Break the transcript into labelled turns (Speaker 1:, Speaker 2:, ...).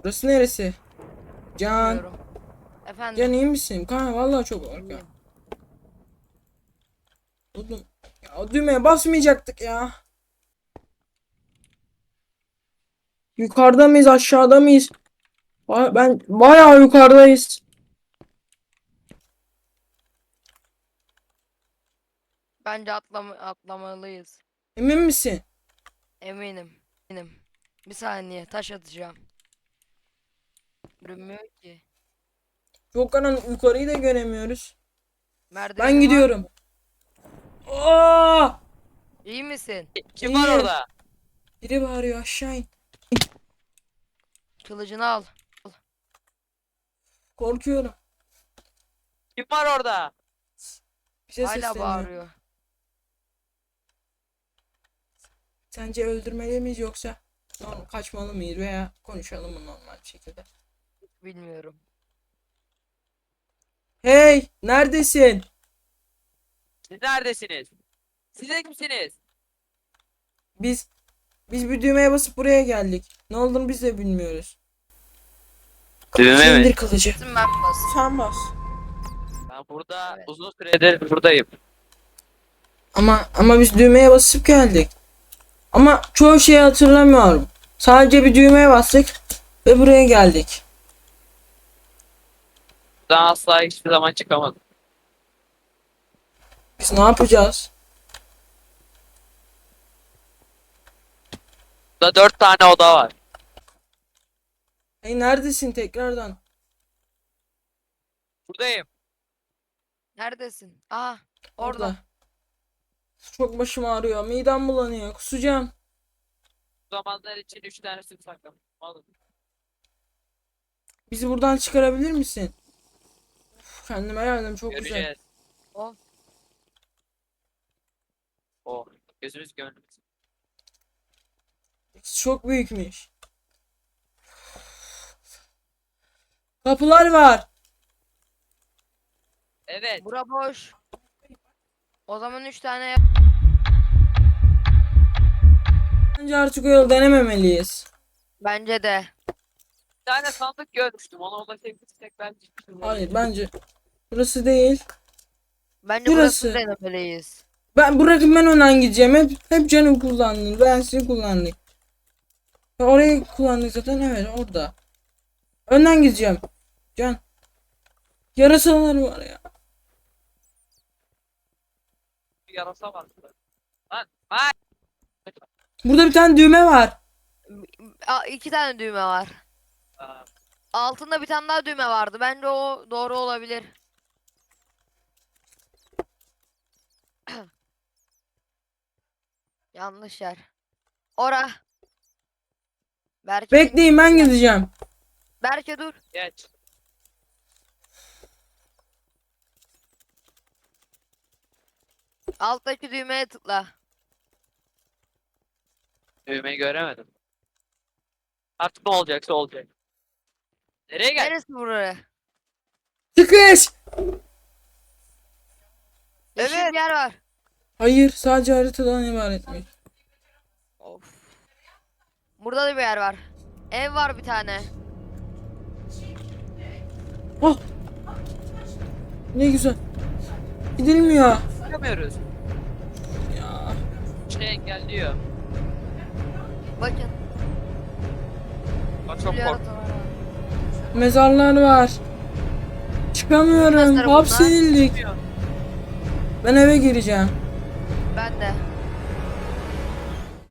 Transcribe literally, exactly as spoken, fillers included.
Speaker 1: Burası neresi? Can.
Speaker 2: Bilmiyorum. Efendim.
Speaker 1: Can iyi misin? Kanka vallahi çok korkuyorum.
Speaker 2: İyiyim.
Speaker 1: Oğlum ya o düğmeye basmayacaktık ya. Yukarıda mıyız, aşağıda mıyız? Ba- Ben bayağı yukarıdayız.
Speaker 2: Bence atlama atlamalıyız.
Speaker 1: Emin misin?
Speaker 2: Eminim. Eminim. Bir saniye taş atacağım. Görünmüyor ki.
Speaker 1: Çok karanlık, yukarıyı da göremiyoruz. Ben
Speaker 2: Merdivenin var
Speaker 1: gidiyorum.
Speaker 2: mı?
Speaker 1: Aa!
Speaker 2: İyi misin?
Speaker 3: Kim var
Speaker 1: İyi.
Speaker 3: orada?
Speaker 1: Biri bağırıyor, aşağı in.
Speaker 2: Kılıcını al.
Speaker 1: Korkuyorum.
Speaker 3: Kim var orada?
Speaker 1: Bize
Speaker 2: Hala
Speaker 1: sesleniyor.
Speaker 2: bağırıyor.
Speaker 1: Sence öldürmeli miyiz yoksa normal kaçmalı mıyız veya konuşalım mı normal bir şekilde?
Speaker 2: Bilmiyorum.
Speaker 1: Hey, neredesin?
Speaker 3: Siz neredesiniz? Siz de kimsiniz?
Speaker 1: Biz biz bir düğmeye basıp buraya geldik. Ne olduğunu biz de bilmiyoruz.
Speaker 3: Düğme mi?
Speaker 1: İndir kılıcı.
Speaker 2: Bizim ben bas.
Speaker 1: Sen bas.
Speaker 3: Ben burada
Speaker 2: Evet.
Speaker 3: uzun süredir buradayım.
Speaker 1: Ama ama biz düğmeye basıp geldik. Ama çoğu şeyi hatırlamıyorum. Sadece bir düğmeye bastık ve buraya geldik.
Speaker 3: Buradan asla hiçbir zaman çıkamadım.
Speaker 1: Biz ne yapacağız?
Speaker 3: Burada dört tane oda var.
Speaker 1: Hey neredesin tekrardan?
Speaker 3: Buradayım.
Speaker 2: Neredesin? Aha orada.
Speaker 1: Çok başım ağrıyor. Midem bulanıyor. Kusacağım.
Speaker 3: Bu zamanlar için üç tane süt saklamışım. Alın.
Speaker 1: Bizi buradan çıkarabilir misin? Uf, kendime geldim çok güzel.
Speaker 3: Göreceğiz.
Speaker 2: O.
Speaker 3: Oh. Gözümüz gönlümüz.
Speaker 1: Çok büyükmüş. Kapılar var.
Speaker 3: Evet.
Speaker 2: Bura boş. O zaman üç tane yap.
Speaker 1: Bence artık o yolu denememeliyiz.
Speaker 2: Bence de.
Speaker 3: Bir tane sandık görmüştüm. Ona ulaşabilsek ben çıkmışım.
Speaker 1: Hayır bence burası değil.
Speaker 2: Bence
Speaker 1: Burası.
Speaker 2: burası denemeliyiz.
Speaker 1: Ben bırakın ben önden gideceğim. Hep hep canım kullandın. Ben sizi kullandım. Ya orayı kullandık zaten, evet orada. Önden gideceğim. Can. Yarasalar var ya.
Speaker 3: Bir yarasa var burada. Lan. Lan.
Speaker 1: Burada bir tane düğme var.
Speaker 2: Aa, iki tane düğme var.
Speaker 3: Aa,
Speaker 2: Altında bir tane daha düğme vardı. Bence o doğru olabilir. Yanlış yer. Ora. Berke,
Speaker 1: Bekleyin ben gideceğim.
Speaker 2: Berke dur.
Speaker 3: geç.
Speaker 2: Alttaki düğmeye tıkla.
Speaker 3: Düğmeyi göremedim. Artık ne olacaksa olacak. Nereye gel?
Speaker 2: Neresi buraya?
Speaker 1: Çıkış.
Speaker 2: Yeşil Evet. bir yer var.
Speaker 1: Hayır, sadece haritadan ibaretmiş.
Speaker 2: Of. Burada da bir yer var. Ev var bir tane.
Speaker 1: Oh. Ne güzel. Gidilmiyor.
Speaker 3: Çıkamıyoruz.
Speaker 1: Ya.
Speaker 3: Şey engelliyor.
Speaker 2: Bakın.
Speaker 3: Bak çok
Speaker 2: bir
Speaker 3: korktum.
Speaker 2: yarata var abi.
Speaker 1: Mezarlar var. Çıkamıyorum.
Speaker 2: Mezarı bunlar.
Speaker 1: Hapsedildik. Ben eve gireceğim.
Speaker 2: Ben de.